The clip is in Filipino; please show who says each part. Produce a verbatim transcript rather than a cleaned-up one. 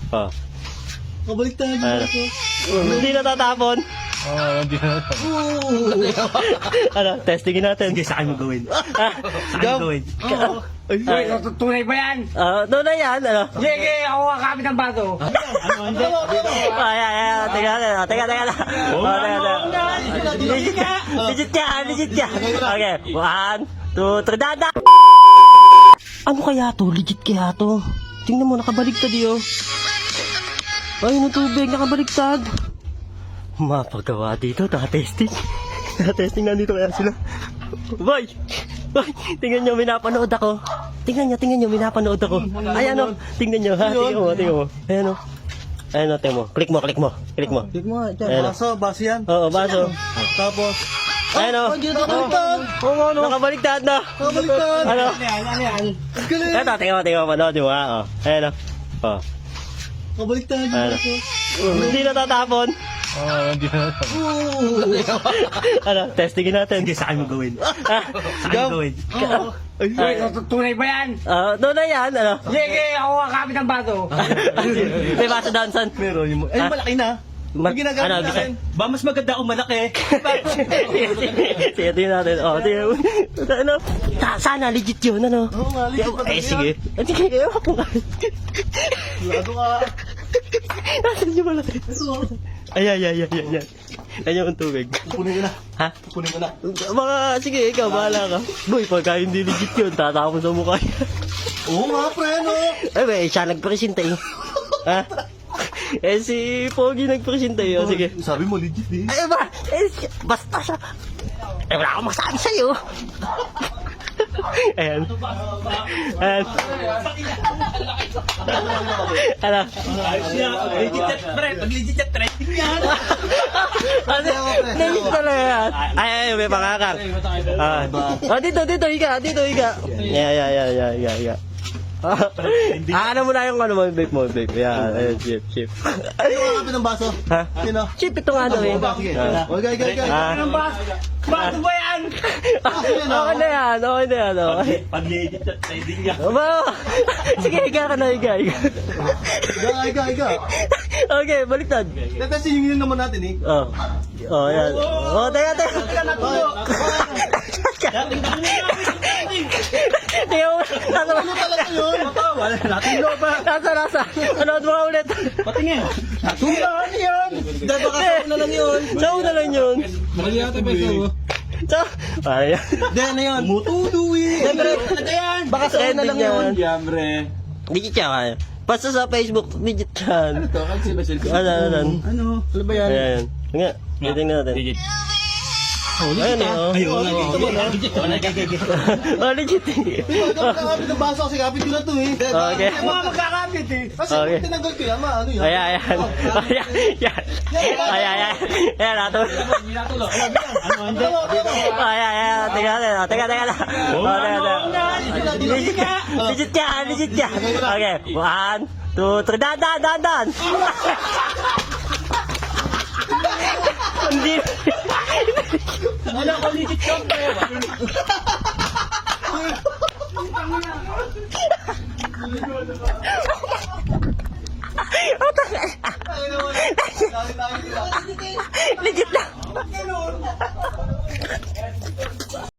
Speaker 1: Oh.
Speaker 2: Kabaliktad yung
Speaker 1: Ano?
Speaker 2: braso.
Speaker 1: Hindi natatapon.
Speaker 3: Oo, hindi na.
Speaker 1: Ano, testingin natin.
Speaker 2: Sige, sa akin mo gawin.
Speaker 1: Ah,
Speaker 2: Sa akin mo gawin.
Speaker 1: Oo.
Speaker 2: Ay,
Speaker 1: Ah,
Speaker 4: Tunay ba yan?
Speaker 1: ah, doon na yan, ano?
Speaker 4: Sige, ako ang kapit ng baso.
Speaker 2: ano, hindi.
Speaker 1: Ay, ay, ay, teka, teka, teka, teka. Oh, teka, teka. Legit ka, legit ka, legit ka. Okay, one, two, three, dada! Ano kaya to? Legit kaya to? Tingnan mo, nakabaligtad yun. Ay, yung tubig, nakabaligtad. Mapagawa dito, nakatesting. Nakatesting, nandito kaya sila. Boy! Boy! Tingnan nyo, minapanood ako. Tingnan nyo, tingnan nyo, minapanood ako. Ayan o, tingnan nyo, ha? Tingnan mo, tingnan mo. Ayan o. Ayan o, tingnan mo. Click mo, click mo. Click mo.
Speaker 2: Tignan mo, dyan.
Speaker 1: Ayan o.
Speaker 2: Baso, baso yan.
Speaker 1: Oo, baso.
Speaker 2: Tapos,
Speaker 1: Ayan o.
Speaker 2: nakabaliktad.
Speaker 1: Oo, ano? Nakabaligtad na.
Speaker 2: Nakabaliktad.
Speaker 1: Ano?
Speaker 4: Ano yan?
Speaker 2: Ang galing.
Speaker 1: Eto, tingnan mo, tingnan mo, panood mo, ha? O. Ayan o. O.
Speaker 2: Kabaliktad yung
Speaker 1: Ano?
Speaker 2: braso.
Speaker 1: Hindi natatapon.
Speaker 3: Oo, hindi na.
Speaker 1: Ano, testingin natin.
Speaker 2: Sige, sa akin mo gawin.
Speaker 1: Ah,
Speaker 2: Sa akin mo gawin.
Speaker 1: Ay,
Speaker 4: Tunay ba yan?
Speaker 1: ah, doon na yan, ano?
Speaker 4: Sige, ako ang kapit ng baso.
Speaker 1: May baso down, son.
Speaker 2: Meron yung... Ay,
Speaker 1: Ah?
Speaker 2: malaki na.
Speaker 1: Ma-
Speaker 2: May ginagamit
Speaker 1: ano,
Speaker 2: na
Speaker 1: bisa-
Speaker 2: akin. Ba, mas maganda kung malaki.
Speaker 1: sige, sige, sige, tingnan natin. Oh, tingnan mo. Ano? Sa- Sana, legit yun, ano?
Speaker 2: Oo nga, legit pa
Speaker 1: Eh,
Speaker 2: talaga
Speaker 1: sige. Eh, sige, ewan ko nga.
Speaker 2: Lado ka.
Speaker 1: Nasaan yung malaki? Ay, ay, ay, ay, ay, ay. Ayan yung tubig.
Speaker 2: Kukunin ko na.
Speaker 1: Ha?
Speaker 2: Kukunin ko na.
Speaker 1: Mga, sige, ikaw, bahala ka. Boy, pagka hindi legit yun, tatapon sa mukha niya.
Speaker 2: Oo nga, pre, no?
Speaker 1: Ay, ba, siya nagpresenta eh. Ha? Eh, si Pogi nagpresenta eh. O, sige.
Speaker 2: Sabi mo, legit eh.
Speaker 1: Ay, ba? Eh, si- basta siya. Eh, wala akong masabi sa'yo. Ayan. Ayan. Ano?
Speaker 2: Legit yan, pre. Pag legit yan, trending yan.
Speaker 1: Ano? Legit talaga yan. Ay, ay, may pangakang. Ah. Oh, dito, dito, higa. Dito, higa. Yeah, yeah, yeah, yeah, yeah, yeah. Ah, ano mo na yung ano mo, vape mo, vape. Yan, ayan, chip, chip.
Speaker 2: Ano yung kapit ng baso?
Speaker 1: Ha?
Speaker 2: Sino?
Speaker 1: Chip ito nga daw eh.
Speaker 2: Sige.
Speaker 1: Ah.
Speaker 2: Okay, okay, okay.
Speaker 1: Ah.
Speaker 4: Baso ba yan?
Speaker 1: Okay na yan, okay na yan, okay.
Speaker 2: Pag legit yan, trending yan.
Speaker 1: Aba, sige, higa ka na, higa, higa.
Speaker 2: Iga, iga, iga.
Speaker 1: Okay, baliktad.
Speaker 2: Tatasin yung naman natin eh.
Speaker 1: Oh. Oh, yan. Oh, teka, teka. Tingnan mo, nasa
Speaker 2: Ano talaga yun? Wala natin loba.
Speaker 1: nasa, nasa. Anood mo nga ulit.
Speaker 2: Patingin. Tumbaan yan. Dahil baka sa una lang yun.
Speaker 1: Sa una lang yun.
Speaker 3: Mali yata pa ito.
Speaker 1: Sa, ano yan?
Speaker 2: Dahil na yun. Tumutudo eh.
Speaker 1: Siyempre,
Speaker 2: Ano yan? Baka sa una
Speaker 1: trending
Speaker 2: lang yun.
Speaker 1: yan.
Speaker 2: Yamre.
Speaker 1: Digit siya kaya. Basta sa Facebook, digit yan.
Speaker 2: Ito, kasi ba sila?
Speaker 1: Ano, ano, ano.
Speaker 2: Ano? Ano ba yan?
Speaker 1: Ayan. Nga, titingnan natin. Ayan eh, oh.
Speaker 2: Ayun, dito ba na?
Speaker 1: Oh, legit eh.
Speaker 2: Ito, nakakapit ng baso kasi kapit ko na to eh.
Speaker 1: Okay.
Speaker 4: Mga magkakapit eh.
Speaker 2: Kasi
Speaker 1: Okay.
Speaker 2: kung tinanggal ko yan, ma, ano yan?
Speaker 1: Ayan, ayan. Ayan, ayan. Ayan, ayan. Ayan, nato. Ayan, ayan. Teka, teka, teka, teka. Oh, teka, teka. Legit ka, legit ka, legit ka. Okay, one, two, three, dan, dan, dan, dan. Hindi.
Speaker 2: Ano ko legit yun, pre?
Speaker 1: Legit na.